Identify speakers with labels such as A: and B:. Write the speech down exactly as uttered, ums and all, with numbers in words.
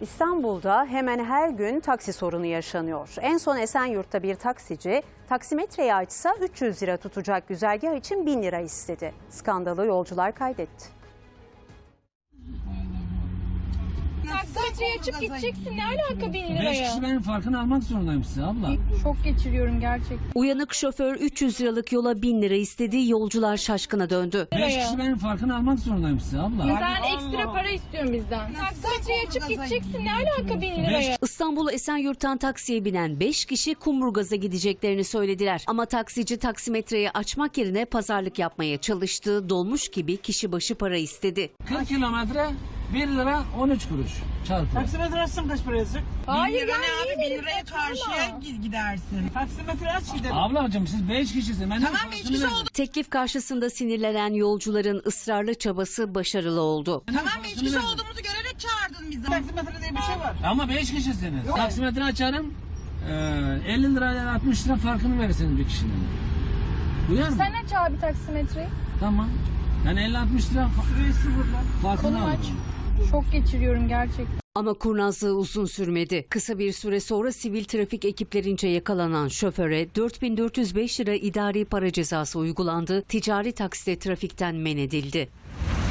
A: İstanbul'da hemen her gün taksi sorunu yaşanıyor. En son Esenyurt'ta bir taksici taksimetreyi açsa üç yüz lira tutacak güzergah için bin lira istedi. Skandalı yolcular kaydetti.
B: Taksimetreyi açıp gideceksin. Ne alaka bin
C: Beş
B: liraya?
C: kişi benim farkını almak zorundayım size abla.
B: Şok geçiriyorum gerçekten.
D: Uyanık şoför üç yüz liralık yola bin lira istedi, yolcular şaşkına döndü.
C: Beş kişi benim farkını almak zorundayım size abla.
B: Sen ekstra para istiyorsun bizden. Taksimetreyi açıp gideceksin. Ne alaka bin liraya?
D: İstanbul Esenyurt'tan taksiye binen beş kişi Kumburgaz'a gideceklerini söylediler. Ama taksici taksimetreyi açmak yerine pazarlık yapmaya çalıştı. Dolmuş gibi kişi başı para istedi.
C: kırk kilometre bir lira on üç kuruş çarpı.
E: Taksimetre açsam kaç para yazacak?
B: Hayır
F: bin lira
B: ya,
F: ne abi?
B: niye
F: Bin liraya karşıya gi- gidersin.
E: Taksimetre aç gidelim.
C: Ablacığım siz beş kişisiniz. Ben
F: Tamam beş kişi oldu.
D: Teklif karşısında sinirlenen yolcuların ısrarlı çabası başarılı oldu.
F: Tamam beş kişi olduğumuzu görerek çağırdın bizi.
E: Taksimetre diye bir şey var.
C: Ama beş kişisiniz. Taksimetre açarım. Ee, elli lirayla altmış lira farkını verirsiniz bir kişinin. Duyar mı?
B: Sen aç abi taksimetreyi.
C: Tamam. Yani elli altmış lira fa-
E: Şurayı sıfırla.
C: farkını
B: Konu aç.
C: alırım.
B: Şok geçiriyorum gerçekten.
D: Ama kurnazlığı uzun sürmedi. Kısa bir süre sonra sivil trafik ekiplerince yakalanan şoföre dört bin dört yüz beş lira idari para cezası uygulandı. Ticari takside trafikten men edildi.